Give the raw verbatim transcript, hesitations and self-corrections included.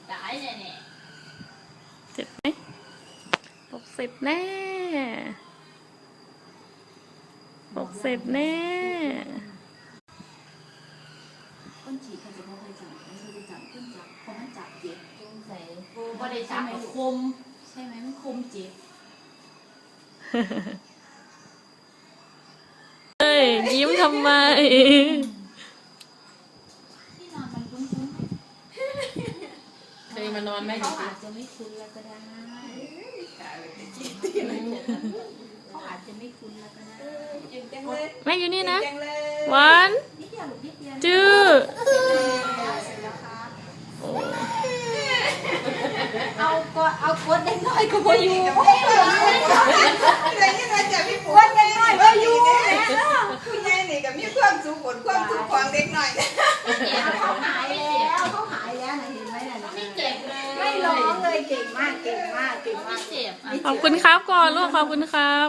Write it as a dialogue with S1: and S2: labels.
S1: ตายแน่แน่
S2: เจ็บไหมหกสิบแน่หกสิบแน่
S3: ก้นฉีกใครจะพอใครจับใครจะจับขึ้นจับพอมันจับเจ็บ
S1: สงสัยกูไม่ได้จับกับคม
S3: ใช่ไหมมันคมเจ็บ
S2: เอ้ยยิ้มทำไม
S3: ที่นอนมันคุ้นๆ
S1: เคยมานอนไหม
S3: เขาอาจจะไม่คุ้นแล้วก็ได้เขาอาจจะไม่คุ้นแล้วก็ได้
S2: แม่อยู่นี่นะวัน
S3: นิดเดียวหรือนิดเดียว
S2: จื้อ
S3: เสร็จแล้วครับเอาก็เอากดได้น้อยก็พออยู่กดได้น้อยก็อยู่
S4: ผู้ใหญ่นี่ก็มีความสุขผลความสุขของเด็กหน่อย
S3: เขาหายแล้วเขาหายแล้วนะเห็นไหมน่ะ
S1: ไม่เจ็บเลย
S3: ไม่ร้องเลยเก่งมากเก่งมากเก่งมาก
S1: เจ็บ
S2: ขอบคุณครับก่อนลูกขอบคุณครับ